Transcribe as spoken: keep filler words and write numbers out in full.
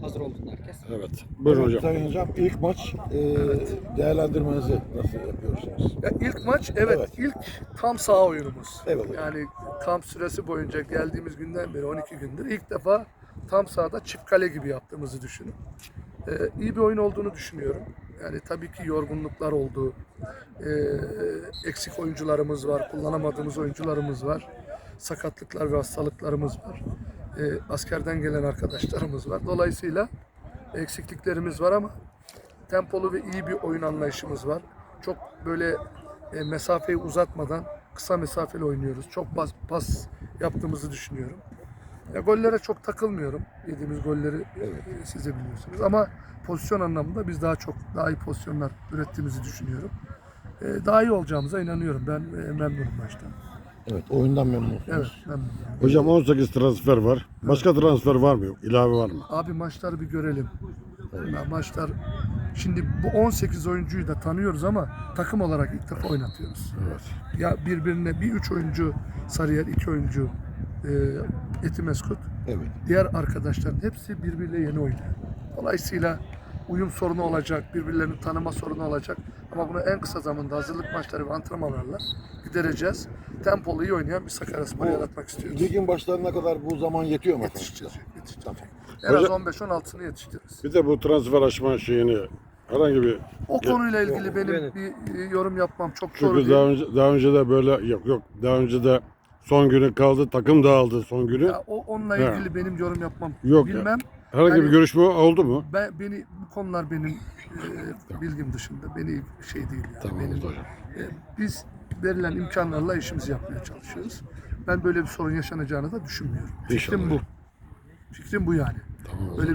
Hazır olduğunda herkes. Evet. Buyurun hocam. Sayın Hocam, ilk maç e, değerlendirmenizi nasıl yapıyorsunuz? Ya ilk maç evet, Evet. ilk tam saha oyunumuz. Evet. Yani kamp süresi boyunca geldiğimiz günden beri on iki gündür ilk defa tam sahada çift kale gibi yaptığımızı düşünün. Ee, iyi bir oyun olduğunu düşünüyorum. Yani tabii ki yorgunluklar oldu. Ee, eksik oyuncularımız var, kullanamadığımız oyuncularımız var. Sakatlıklar ve hastalıklarımız var. Ee, askerden gelen arkadaşlarımız var. Dolayısıyla eksikliklerimiz var ama tempolu ve iyi bir oyun anlayışımız var. Çok böyle e, mesafeyi uzatmadan kısa mesafeli oynuyoruz. Çok pas, pas yaptığımızı düşünüyorum. Ya gollere çok takılmıyorum. Yediğimiz golleri e, siz de biliyorsunuz. Ama pozisyon anlamında biz daha çok daha iyi pozisyonlar ürettiğimizi düşünüyorum. E, daha iyi olacağımıza inanıyorum. Ben e, memnunum maçtan. Evet, oyundan memnunsunuz. Evet, memnunum. Hocam on sekiz transfer var. Başka transfer var mı yok? İlave var mı? Abi maçları bir görelim. Ya maçlar şimdi bu on sekiz oyuncuyu da tanıyoruz ama takım olarak ilk defa oynatıyoruz. Evet. Ya birbirine bir üç oyuncu Sarıyer, iki oyuncu e, Etimeskut. Evet. Diğer arkadaşların hepsi birbiriyle yeni oynuyor. Dolayısıyla uyum sorunu olacak, birbirlerini tanıma sorunu olacak. Ama bunu en kısa zamanda hazırlık maçları ve antrenmanlarla gidereceğiz. Tempolu iyi oynayan bir Sakaryaspor yaratmak istiyoruz. Ligin başlarına kadar bu zaman yetiyor mu? Yetişeceğiz. yetişeceğiz. Tamam. En az Hocam- on beş on altısını yetiştiririz. Bir de bu transfer aşma şeyini herhangi bir O konuyla ilgili yok, benim evet. bir e, yorum yapmam çok doğru çünkü değil. daha önce daha önce de böyle yok yok daha önce de son günü kaldı takım dağıldı son günü. Ya, o onunla He. ilgili benim yorum yapmam Yok ya. bilmem. Herhangi yani- bir görüşme oldu mu? Ben beni bu konular benim e, bilgim dışında. Beni şey değil yani. Tamam benim, oldu hocam. e, biz verilen imkanlarla işimizi yapmaya çalışıyoruz. Ben böyle bir sorun yaşanacağını da düşünmüyorum. İnşallah Fikrim bu. hocam. Fikrim bu yani. Tamam. Böyle